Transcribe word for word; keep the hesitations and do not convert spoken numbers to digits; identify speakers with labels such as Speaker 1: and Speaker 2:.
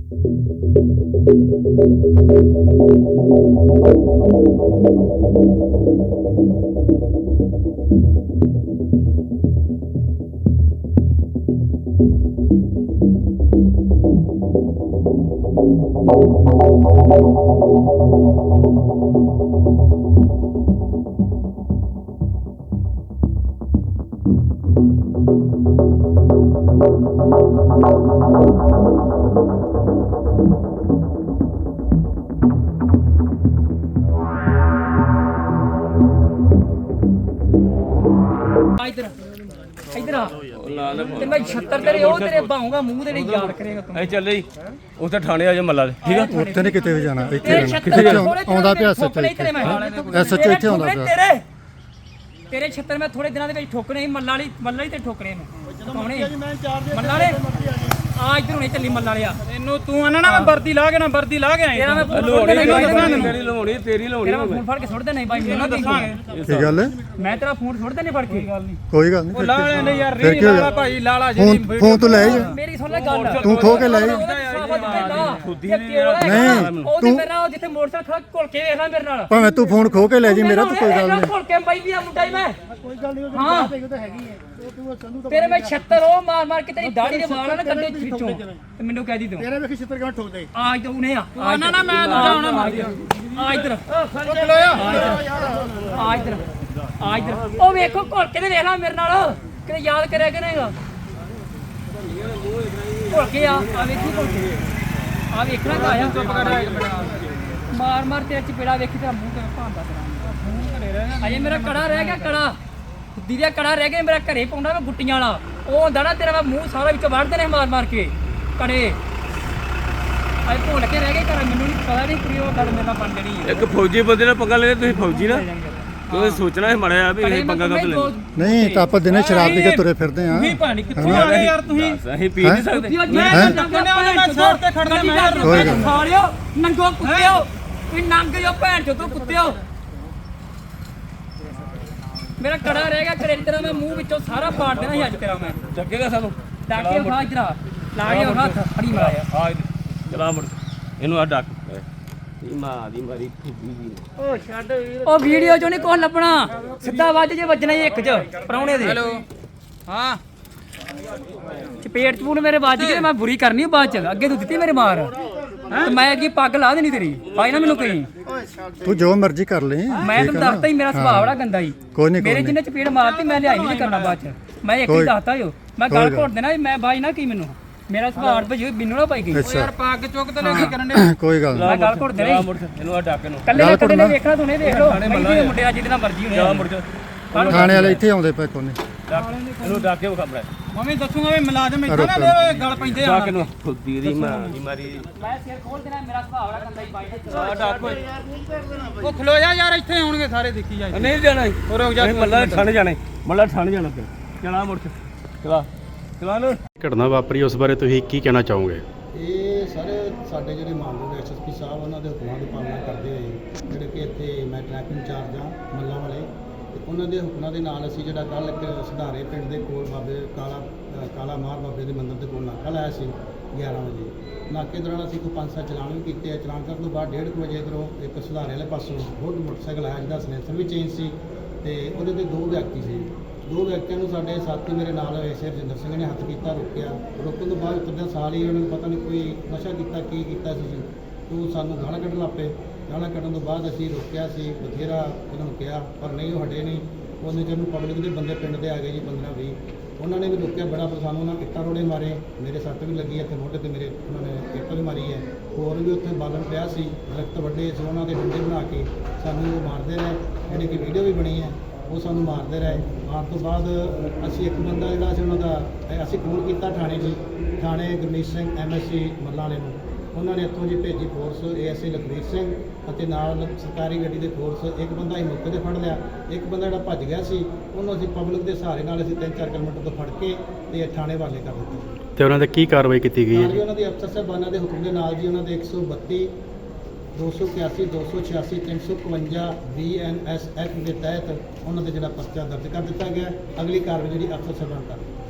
Speaker 1: इधर इधर ते मैं छत्तर तेरे ओ तेरे बाहूंगा मुंह तेरे याद करेगा तू
Speaker 2: ऐ चल जी ਉੱਥੇ ਥਾਣੇ ਆ ਜਾ ਮੱਲਾ ਦੇ ਠੀਕ ਆ
Speaker 3: ਉੱਥੇ ਨਹੀਂ ਕਿਤੇ ਵੀ ਜਾਣਾ ਇੱਥੇ ਰਹਿਣਾ ਕਿੱਥੇ ਆਉਂਦਾ ਪਿਆ ਸੱਚ ਐਸਐਚਓ ਇੱਥੇ ਆਉਂਦਾ ਪਿਆ
Speaker 1: ਤੇਰੇ ਤੇਰੇ ਛੱਤਰ ਮੈਂ ਥੋੜੇ ਦਿਨਾਂ ਦੇ ਵਿੱਚ ਠੋਕਣੇ ਸੀ ਮੱਲਾ ਵਾਲੀ ਮੱਲਾ ਹੀ ਤੇ ਠੋਕਣੇ ਨੇ ਕੌਣੇ ਮੱਲਾ ਵਾਲੇ ਆ ਇੱਧਰ ਹੁਣੇ ਚੱਲੀ ਮੱਲਾ ਵਾਲਿਆ
Speaker 4: ਇਹਨੂੰ ਤੂੰ ਆਣਾ ਨਾ ਮੈਂ ਵਰਦੀ ਲਾ ਕੇ ਨਾ ਵਰਦੀ ਲਾ ਕੇ ਆਈ
Speaker 1: ਤੇਰਾ ਮੈਂ
Speaker 2: ਲੋੜੀ ਤੇਰੀ ਲਾਉਣੀ ਤੇਰੀ ਲਾਉਣੀ
Speaker 1: ਤੇਰਾ ਫੋਨ ਫੜ ਕੇ ਸੁੱਟ ਦੇ ਨਹੀਂ ਬਾਈ ਮੈਨੂੰ ਦੱਸਾਂਗੇ
Speaker 3: ਕੀ ਗੱਲ ਹੈ
Speaker 1: ਮੈਂ ਤੇਰਾ ਫੋਨ ਸੁੱਟ ਦੇ ਨਹੀਂ ਫੜ ਕੇ
Speaker 3: ਕੋਈ ਗੱਲ ਨਹੀਂ
Speaker 4: ਉਹ ਲਾ ਲੈ ਨਹੀਂ ਯਾਰ ਰੀ ਲਾਲਾ ਭਾਈ ਲਾਲਾ ਜੀ
Speaker 3: ਫੋਨ ਫੋਨ ਤੂੰ ਲੈ ਜਾ
Speaker 1: ਮੇਰੀ ਸੁਣ ਲੈ ਗੱਲ
Speaker 3: ਤੂੰ ਖੋ ਕੇ ਲੈ ਜਾ
Speaker 1: ਨਹੀਂ ਤੂੰ ਮੇਰੇ ਨਾਲ ਜਿੱਥੇ ਮੋਟਰਸਾਈਕਲ ਖੜਾ ਘੁਲ ਕੇ ਵੇਖ ਲੈ ਮੇਰੇ ਨਾਲ
Speaker 3: ਭਾਵੇਂ ਤੂੰ ਫੋਨ ਖੋ ਕੇ ਲੈ ਜੀ ਮੇਰਾ ਤਾਂ ਕੋਈ ਗੱਲ ਨਹੀਂ
Speaker 1: ਘੁਲ ਕੇ ਬਾਈ ਵੀ ਆ ਮੁੰਡਾ ਹੀ ਮੈਂ ਕੋਈ ਗੱਲ ਨਹੀਂ ਹਾਂ ਤਾਂ ਹੈਗੀ ਹੈ ਤੇਰੇ ਮੈਂ ਛੱਤਰ ਉਹ ਮਾਰ ਮਾਰ ਕੇ ਤੇਰੀ ਦਾੜੀ ਦੇ ਵਾਲਾਂ ਨਾ ਕੱਢੇ ਵਿੱਚੋਂ ਤੇ ਮੈਨੂੰ ਕਹਿ ਦੀ ਤੂੰ ਤੇਰੇ ਵੇਖੀ ਛੱਤਰ ਕਿਵੇਂ ਠੋਕ ਦੇ ਆ ਇੱਧਰ ਉਹਨੇ ਆ ਨਾ ਨਾ ਮੈਂ ਦੂਜਾ ਹੋਣਾ ਮਾਰ ਆ ਇੱਧਰ ਆ ਇੱਧਰ ਆ ਇੱਧਰ ਉਹ ਵੇਖੋ ਘੁਲ ਕੇ ਤੇ ਵੇਖ ਲੈ ਮੇਰੇ ਨਾਲ ਕਿਤੇ ਯਾਦ ਕਰਿਆ ਕਿ ਨਹੀਂਗਾ ਘੁਲ ਕੇ ਆ ਆ ਵੇਖੀ ਘੁਲ ਕੇ ਆ ਵੇਖਣਾ ਕਾ ਆਇਆ ਚੁੱਪ ਕਰ ਮਾਰ ਮਾਰ ਤੇਰੇ ਚਪੇੜਾ ਵੇਖੀ ਤੇਰਾ ਮੂੰਹ ਤੇ ਭਾਂਦਾ ਤੇਰਾ ਅਜੇ ਮੇਰਾ ਕੜਾ ਰਹਿ ਗਿਆ ਕੜਾ ਖੁੱਦੀ ਦਾ ਕੜਾ ਰਹਿ ਗਿਆ ਮੇਰਾ ਘਰੇ ਪਾਉਂਦਾ ਮੈਂ ਗੁੱਟੀਆਂ ਵਾਲਾ ਉਹ ਹੁੰਦਾ ਨਾ ਤੇਰਾ ਮੈਂ ਮੂੰਹ ਸਾਰਾ ਵਿੱਚ ਵੜਦੇ ਨੇ ਮਾਰ ਮਾਰ ਕੇ ਕੜੇ ਅਜੇ ਭੁੱਲ ਕੇ ਰਹਿ ਗਏ ਘਰ ਮੈਨੂੰ ਨਹੀਂ ਪਤਾ ਨਹੀਂ ਕੁੜੀ ਉਹ ਗੱਲ ਮੇਰੇ ਨਾਲ ਬਣ ਜਣੀ ਹੈ
Speaker 2: ਇੱਕ ਫੌਜੀ ਬੰਦੇ ਨਾਲ ਪੰਗਾ ਲੈਣਾ ਤੁਸੀਂ ਫੌਜੀ ਨਾ ਤੁਸੀਂ ਸੋਚਣਾ ਹੈ ਮੜਿਆ ਵੀ ਇਹ ਪੰਗਾ ਕਦ ਲੈਣਾ
Speaker 3: ਨਹੀਂ ਤਾਂ ਆਪਾਂ ਦਿਨੇ ਸ਼ਰਾਬ ਪੀ ਕੇ ਤੁਰੇ ਫਿਰਦੇ ਆ
Speaker 4: ਨਹੀਂ ਪਾਣੀ ਕਿੱਥੋਂ ਆ ਗਏ ਯਾਰ ਤੁਸੀਂ
Speaker 2: ਅਸੀਂ ਪੀ ਨਹੀਂ ਸਕਦੇ
Speaker 1: ਮੈਂ ਨੰਗੋ ਸਾਈਡ ਤੇ ਖੜਨਾ ਮੈਂ ਖਾ ਲਿਓ ਨੰਗੋ ਕੁੱਤਿਓ ਵੀ ਨੰਗ ਜੋ ਭੈਣ ਚੋ ਤੂੰ ਕੁੱਤਿਓ ਮੇਰਾ ਕੜਾ ਰਹਿ ਗਿਆ ਘਰੇ ਤੇਰਾ ਮੈਂ ਮੂੰਹ ਵਿੱਚੋਂ ਸਾਰਾ ਪਾੜ ਦੇਣਾ ਸੀ ਅੱਜ ਤੇਰਾ ਮੈਂ
Speaker 2: ਡੱਕੇਗਾ ਸਾਨੂੰ
Speaker 1: ਡਾਕੇ ਖਾ ਇਧਰ ਲਾ ਕੇ ਹੱਥ ਫੜੀ ਮਾਰਿਆ
Speaker 2: ਆ ਚਲਾ ਮੁੜ ਇਹਨੂੰ ਆ ਡੱਕ ਮਾਂ ਦੀ ਮਾਰੀ ਫੁੱਬੀ ਦੀ
Speaker 1: ਉਹ ਛੱਡ ਉਹ ਵੀਡੀਓ ਚੋਂ ਨਹੀਂ ਕੁਝ ਲੱਭਣਾ ਸਿੱਧਾ ਵੱਜ ਜੇ ਵੱਜਣਾ ਹੀ ਇੱਕ ਚ ਪਰੌਣੇ ਦੇ
Speaker 4: ਹੈਲੋ ਹਾਂ
Speaker 1: ਚਪੇਟ ਚਪੂਨ ਮੇਰੇ ਵੱਜ ਗਏ ਮੈਂ ਬੁਰੀ ਕਰਨੀ ਬਾਅਦ ਚ ਅੱਗੇ ਤੂੰ ਦਿੱਤੀ ਮੇਰੇ ਮਾਰ ਤੇ ਮੈਂ ਅੱਗੇ ਪੱਗ ਲਾ ਦੇਣੀ ਤੇਰੀ ਪਾਈ ਨਾ ਮੈਨੂੰ ਕਹੀਂ
Speaker 3: ਤੂੰ ਜੋ ਮਰਜ਼ੀ ਕਰ ਲੈ
Speaker 1: ਮੈਂ ਤੈਨੂੰ ਦੱਸਤਾ ਹੀ ਮੇਰਾ ਸੁਭਾਅ ਬੜਾ ਗੰਦਾ ਹੀ
Speaker 3: ਕੋਈ ਨਹੀਂ
Speaker 1: ਮੇਰੇ ਜਿੰਨੇ ਚਪੇੜ ਮਾਰਤੀ ਮੈਂ ਲਿਆਈ ਨਹੀਂ ਕਰਨਾ ਬਾਅਦ ਚ ਮੈਂ ਇੱਕ ਹੀ ਦੱਸਤਾ ਜੋ ਮੈਂ ਗੱਲ ਘੋਟ ਦੇਣਾ ਮੈਂ ਬਾਈ ਨਾ ਕੀ ਮੈਨੂੰ ਮੇਰਾ ਸੁਭਾਅ ਭਜੀ ਮੈਨੂੰ ਨਾ ਪਾਈ ਗਈ
Speaker 4: ਯਾਰ ਪੱਗ ਚੁੱਕ ਤੇ ਲੈ ਕੇ ਕਰਨ ਦੇ
Speaker 3: ਕੋਈ ਗੱਲ
Speaker 1: ਮੈਂ ਗੱਲ ਘੋਟ ਦੇਣੀ
Speaker 2: ਇਹਨੂੰ ਆ ਡੱਕ ਇਹਨੂੰ
Speaker 1: ਕੱਲੇ ਕੱਲੇ ਨੇ ਵੇਖਣਾ ਤੂੰ ਨੇ ਦੇਖ ਲੋ ਮੈਂ ਮੁੰਡੇ ਅੱਜ ਜਿਹਦੇ ਮਰਜ਼ੀ ਹੋਣੇ
Speaker 2: ਜਾ ਮੁੜ ਜਾ
Speaker 3: ਥਾਣੇ ਵਾਲੇ ਇੱਥੇ ਆਉਂਦੇ ਪਏ ਕੋਨੇ
Speaker 2: ਇਹਨੂੰ ਡੱਕ ਕੇ ਖਬਰ ਹੈ
Speaker 4: ਮੰਮੀ ਦੱਸੂਗਾ ਵੀ ਮੁਲਾਜ਼ਮ ਇੱਥੇ ਨਾ ਦੇ ਗੱਲ ਪੈਂਦੇ ਆ
Speaker 2: ਡੱਕ ਇਹਨੂੰ ਫੁੱਬੀ ਦੀ ਮਾਂ ਦੀ ਮਾਰੀ
Speaker 1: ਮੈਂ ਸਿਰ ਖੋਲ ਦੇਣਾ ਮੇਰਾ ਸੁਭਾਅ ਬੜਾ ਗੰਦਾ ਹੀ ਬਾਈ
Speaker 2: ਆ ਡੱਕ
Speaker 4: ਉਹ ਖਲੋ ਜਾ ਯਾਰ ਇੱਥੇ ਆਉਣਗੇ ਸਾਰੇ ਦੇਖੀ ਜਾ
Speaker 2: ਨਹੀਂ ਜਾਣਾ
Speaker 4: ਹੋਰ ਰੁਕ ਜਾ
Speaker 2: ਮੱਲਾ ਥਾਣੇ ਜਾਣਾ ਮੱਲਾ ਥਾਣੇ ਜਾਣਾ ਫਿਰ ਚਲਾ ਮੁੜ ਚਲਾ ਚਲਾ ਲੋ
Speaker 5: ਘਟਨਾ ਵਾਪਰੀ ਉਸ ਬਾਰੇ ਤੁਸੀਂ ਕੀ ਕਹਿਣਾ ਚਾਹੋਗੇ?
Speaker 6: ਇਹ ਸਾਰੇ ਸਾਡੇ ਜਿਹੜੇ ਮਾਨਯੋਗ ਐਸਐਸਪੀ ਸਾਹਿਬ ਉਹਨਾਂ ਦੇ ਹੁਕਮਾਂ ਦੀ ਪਾਲਣਾ ਕਰਦੇ ਹੋਏ ਜਿਹੜੇ ਕਿ ਇੱਥੇ ਮੈਂ ਟ੍ਰੈਫਿਕ ਇੰਚਾਰਜ ਹਾਂ ਮੱਲਾਂ ਵਾਲੇ ਤੇ ਉਹਨਾਂ ਦੇ ਹੁਕਮਾਂ ਦੇ ਨਾਲ ਅਸੀਂ ਜਿਹੜਾ ਕੱਲ੍ਹ ਇੱਕ ਸੁਧਾਰੇ ਪਿੰਡ ਦੇ ਕੋਲ ਬਾਬੇ ਕਾਲਾ ਅ, ਕਾਲਾ ਮਾਰ ਬਾਬੇ ਦੇ ਮੰਦਿਰ ਦੇ ਕੋਲ ਨਾਕਾ ਲਾਇਆ ਸੀ ਗਿਆਰਾਂ ਵਜੇ। ਨਾਕੇ ਦੌਰਾਨ ਅਸੀਂ ਕੋਈ ਪੰਜ ਸੱਤ ਚਲਾਨ ਵੀ ਕੀਤੇ ਆ। ਚਲਾਨ ਕਰਨ ਤੋਂ ਬਾਅਦ ਡੇਢ ਕੁ ਵਜੇ ਇੱਧਰੋਂ ਇੱਕ ਸੁਧਾਰੇ ਵਾਲੇ ਪਾਸੋਂ ਹੋਰ ਮੋਟਰਸਾਈਕਲ ਆਇਆ ਜਿਹਦਾ ਸਲੈਂਸਰ ਵੀ ਚੇਂਜ ਸੀ ਤੇ ਉਹਦੇ ਤੇ ਦੋ ਵਿਅਕਤੀ ਸੀ। ਦੋ ਵਿਅਕਤੀਆਂ ਨੂੰ ਸਾਡੇ ਸਾਥੀ ਮੇਰੇ ਨਾਲ ਐਸੇ ਰਜਿੰਦਰ ਸਿੰਘ ਨੇ ਹੱਥ ਕੀਤਾ, ਰੋਕਿਆ। ਰੋਕਣ ਤੋਂ ਬਾਅਦ ਉਤਰਦਿਆਂ ਸਾਲ ਹੀ ਉਹਨਾਂ ਨੂੰ ਪਤਾ ਨਹੀਂ ਕੋਈ ਨਸ਼ਾ ਕੀਤਾ ਕੀ ਕੀਤਾ ਸੀ ਤੂੰ ਸਾਨੂੰ ਗਾਲਾਂ ਕੱਢਣ ਲੱਗ ਪਏ। ਗਾਲਾਂ ਕੱਢਣ ਤੋਂ ਬਾਅਦ ਅਸੀਂ ਰੋਕਿਆ ਸੀ, ਬਥੇਰਾ ਉਹਨਾਂ ਨੂੰ ਕਿਹਾ ਪਰ ਨਹੀਂ ਉਹ ਹਟੇ ਨਹੀਂ। ਉਹਨੇ ਜਿਹਨੂੰ ਪਬਲਿਕ ਦੇ ਬੰਦੇ ਪਿੰਡ ਦੇ ਆ ਗਏ ਜੀ ਪੰਦਰਾਂ ਵੀਹ, ਉਹਨਾਂ ਨੇ ਵੀ ਰੋਕਿਆ ਬੜਾ, ਪਰ ਸਾਨੂੰ ਉਹਨਾਂ ਇੱਟਾਂ ਰੋੜੇ ਮਾਰੇ। ਮੇਰੇ ਸੱਟ ਵੀ ਲੱਗੀ ਇੱਥੇ ਮੋਢੇ ਤੇ ਮੇਰੇ, ਉਹਨਾਂ ਨੇ ਇੱਟ ਵੀ ਮਾਰੀ ਹੈ। ਹੋਰ ਵੀ ਉੱਥੇ ਬਾਲਣ ਪਿਆ ਸੀ, ਦਰਖਤ ਵੱਡੇ ਸੀ, ਉਹਨਾਂ ਦੇ ਡੰਡੇ ਬਣਾ ਕੇ ਸਾਨੂੰ ਉਹ ਮਾਰਦੇ ਰਹੇ। ਜਿਹੜੀ ਕਿ ਵੀਡੀਓ ਵੀ ਬਣੀ ਹੈ, ਉਹ ਸਾਨੂੰ ਮਾਰਦੇ ਰਹੇ। ਮਾਰਨ ਤੋਂ ਬਾਅਦ ਅਸੀਂ ਇੱਕ ਬੰਦਾ ਜਿਹੜਾ ਸੀ ਉਹਨਾਂ ਦਾ ਅਸੀਂ ਫੋਨ ਕੀਤਾ ਥਾਣੇ ਜੀ, ਥਾਣੇ Gurmeet Singh M S C Mallanwale ਨੂੰ। ਉਹਨਾਂ ਨੇ ਇੱਥੋਂ ਜੀ ਭੇਜੀ force, A S I Lakhvir Singh ਅਤੇ ਨਾਲ ਸਰਕਾਰੀ ਗੱਡੀ ਦੇ ਫੋਰਸ। ਇੱਕ ਬੰਦਾ ਅਸੀਂ ਮੌਕੇ 'ਤੇ ਫੜ ਲਿਆ, ਇੱਕ ਬੰਦਾ ਜਿਹੜਾ ਭੱਜ ਗਿਆ ਸੀ ਉਹਨੂੰ ਅਸੀਂ ਪਬਲਿਕ ਦੇ ਸਹਾਰੇ ਨਾਲ ਅਸੀਂ ਤਿੰਨ ਚਾਰ ਕਿਲੋਮੀਟਰ ਤੋਂ ਫੜ ਕੇ ਤੇ ਥਾਣੇ ਵਾਲੇ ਕਰ ਦਿੱਤਾ।
Speaker 5: ਤੇ ਉਹਨਾਂ 'ਤੇ ਕੀ ਕਾਰਵਾਈ ਕੀਤੀ ਗਈ ਹੈ ਜੀ?
Speaker 6: ਉਹਨਾਂ ਦੀ ਅਫਸਰ ਸਾਹਿਬਾਨਾਂ ਦੇ ਹੁਕਮ ਦੇ ਨਾਲ ਜੀ ਉਹਨਾਂ ਦੇ ਇੱਕ ਸੌ ਬੱਤੀ ਦੋ ਸੌ ਇਕਿਆਸੀ ਦੋ ਸੌ ਛਿਆਸੀ ਤਿੰਨ ਸੌ ਇਕਵੰਜਾ ਬੀ ਐਨ ਐਸ ਐਕਟ ਦੇ ਤਹਿਤ ਉਹਨਾਂ 'ਤੇ ਜਿਹੜਾ ਪਰਚਾ ਦਰਜ ਕਰ ਦਿੱਤਾ ਗਿਆ। ਅਗਲੀ ਕਾਰਵਾਈ ਜਿਹੜੀ ਅਫਸਰ ਸਾਹਿਬਾਨ ਕਰ